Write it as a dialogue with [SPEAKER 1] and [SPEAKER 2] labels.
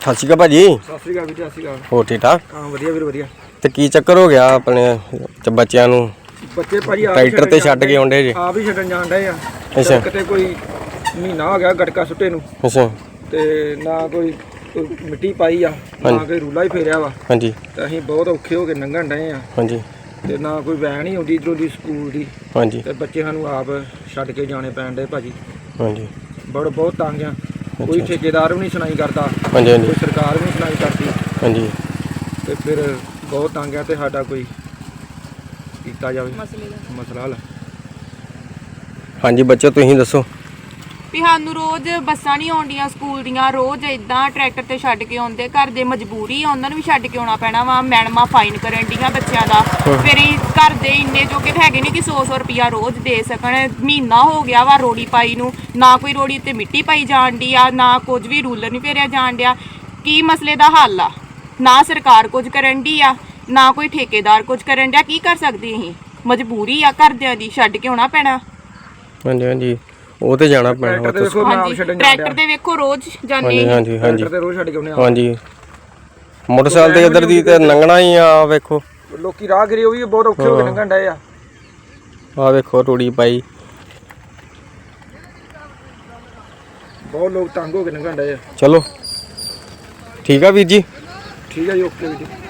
[SPEAKER 1] ਸਤਿ ਸ਼੍ਰੀ ਅਕਾਲ ਭਾਜੀ।
[SPEAKER 2] ਸਤਿ ਸ਼੍ਰੀ ਅਕਾਲ ਵੀਰ, ਸਤਿ ਸ਼੍ਰੀ ਅਕਾਲ।
[SPEAKER 1] ਹੋਰ ਠੀਕ ਠਾਕ?
[SPEAKER 2] ਹਾਂ ਵਧੀਆ ਵੀਰ ਵਧੀਆ।
[SPEAKER 1] ਤੇ ਕੀ ਚੱਕਰ ਹੋ ਗਿਆ ਆਪਣੇ ਬੱਚਿਆਂ ਨੂੰ?
[SPEAKER 2] ਬੱਚੇ ਭਾਜੀ
[SPEAKER 1] ਟਰੈਕਟਰ ਤੇ ਛੱਡ ਕੇ ਆਉਂਦੇ ਜੀ?
[SPEAKER 2] ਆਪ ਹੀ ਛੱਡਣ ਜਾਣ ਡਏ ਆ।
[SPEAKER 1] ਅੱਛਾ।
[SPEAKER 2] ਕਿਤੇ ਕੋਈ ਮਹੀਨਾ ਹੋ ਗਿਆ ਗਟਕਾ ਸੁੱਟੇ ਨੂੰ।
[SPEAKER 1] ਅੱਛਾ।
[SPEAKER 2] ਤੇ ਨਾ ਕੋਈ ਮਿੱਟੀ ਪਾਈ ਆ, ਨਾ ਕੋਈ ਰੂਲਾ ਹੀ ਫੇਰਿਆ ਵਾ।
[SPEAKER 1] ਹਾਂਜੀ।
[SPEAKER 2] ਤੇ ਅਸੀਂ ਬਹੁਤ ਔਖੇ ਹੋ ਕੇ ਲੰਘਣ ਡਏ ਆ।
[SPEAKER 1] ਹਾਂਜੀ।
[SPEAKER 2] ਤੇ ਨਾ ਕੋਈ ਵੈਨ ਹੀ ਆਉਂਦੀ ਇੱਧਰੋਂ ਦੀ ਸਕੂਲ ਦੀ।
[SPEAKER 1] ਹਾਂਜੀ।
[SPEAKER 2] ਤੇ ਬੱਚੇ ਸਾਨੂੰ ਆਪ ਛੱਡ ਕੇ ਜਾਣੇ ਪੈਣ ਡੇ ਭਾਜੀ।
[SPEAKER 1] ਹਾਂਜੀ।
[SPEAKER 2] ਬਹੁਤ ਤੰਗ ਆ। ਕੋਈ ਠੇਕੇਦਾਰ ਵੀ ਨਹੀਂ ਸੁਣਾਈ ਕਰਦਾ।
[SPEAKER 1] ਹਾਂਜੀ ਹਾਂਜੀ।
[SPEAKER 2] ਕੋਈ ਸਰਕਾਰ ਵੀ ਨਹੀਂ ਸੁਣਾਈ ਕਰਦੀ।
[SPEAKER 1] ਹਾਂਜੀ।
[SPEAKER 2] ਤੇ ਫਿਰ ਬਹੁਤ ਤੰਗ ਆ ਤੇ ਸਾਡਾ ਕੋਈ ਕੀਤਾ ਜਾਵੇ ਮਸਲਾ ਹੱਲ।
[SPEAKER 1] ਹਾਂਜੀ ਬੱਚੋ ਤੁਸੀਂ ਦੱਸੋ।
[SPEAKER 3] ਵੀ ਸਾਨੂੰ ਰੋਜ਼ ਬੱਸਾਂ ਨਹੀਂ ਆਉਂਦੀਆਂ ਸਕੂਲ ਦੀਆਂ, ਰੋਜ਼ ਇਦਾਂ ਟਰੈਕਟਰ ਤੇ ਛੱਡ ਕੇ ਆਉਂਦੇ। ਘਰ ਦੇ ਮਜਬੂਰੀ ਆ, ਉਹਨਾਂ ਨੂੰ ਵੀ ਛੱਡ ਕੇ ਆਉਣਾ ਪੈਣਾ ਵਾ। ਮੈਡਮਾਂ ਫਾਈਨ ਕਰਨ ਡੀਆਂ ਬੱਚਿਆਂ ਦਾ। ਫਿਰ ਘਰ ਦੇ ਇੰਨੇ ਜੋਗੇ ਹੈਗੇ ਨਹੀਂ ਕਿ 100 ਰੁਪਇਆ ਰੋਜ਼ ਦੇ ਸਕਣ। ਮਹੀਨਾ ਹੋ ਗਿਆ ਵਾ ਰੋੜੀ ਪਾਈ ਨੂੰ, ਨਾ ਕੋਈ ਰੋੜੀ ਉੱਤੇ ਮਿੱਟੀ ਪਾਈ ਜਾਣ ਡਈ ਆ, ਨਾ ਕੁਝ ਵੀ ਰੂਲਰ ਨਹੀਂ ਫੇਰਿਆ ਜਾਣ ਡਿਆ। ਕੀ ਮਸਲੇ ਦਾ ਹੱਲ ਆ? ਨਾ ਸਰਕਾਰ ਕੁਝ ਕਰਨ ਡਈ ਆ, ਨਾ ਕੋਈ ਠੇਕੇਦਾਰ ਕੁਝ ਕਰਨ ਡਿਆ। ਕੀ ਕਰ ਸਕਦੇ ਅਸੀਂ? ਮਜਬੂਰੀ ਆ ਘਰਦਿਆਂ ਦੀ, ਛੱਡ ਕੇ ਆਉਣਾ ਪੈਣਾ।
[SPEAKER 1] ਹਾਂਜੀ ਹਾਂਜੀ, ਉਹ ਤੇ ਜਾਣਾ ਪੈਣਾ।
[SPEAKER 3] ਟਰੈਕਟਰ ਤੇ ਵੇਖੋ ਰੋਜ਼ ਜਾਂਦੇ।
[SPEAKER 1] ਹਾਂਜੀ ਹਾਂਜੀ
[SPEAKER 2] ਤੇ ਰੋਜ਼ ਛੱਡ ਕੇ ਆਉਣੇ ਆ।
[SPEAKER 1] ਹਾਂਜੀ, ਮੋਟਰਸਾਈਕਲ ਤੇ ਇੱਧਰ ਦੀ ਤੇ ਲੰਘਣਾ ਹੀ ਆ। ਵੇਖੋ
[SPEAKER 2] ਲੋਕੀ ਰਾਹਗੀਰ ਉਹ ਵੀ ਬਹੁਤ ਔਖੇ ਹੋ ਕੇ ਲੰਘਣ ਡਏ ਆ।
[SPEAKER 1] ਆ ਵੇਖੋ ਰੂੜੀ ਪਾਈ।
[SPEAKER 2] ਬਹੁਤ ਲੋਕ ਤੰਗ ਹੋ ਕੇ ਲੰਘਣ ਡਏ ਆ।
[SPEAKER 1] ਚਲੋ ਠੀਕ ਆ ਵੀਰ ਜੀ।
[SPEAKER 2] ਠੀਕ ਆ ਜੀ, ਓਕੇ ਵੀਰ ਜੀ।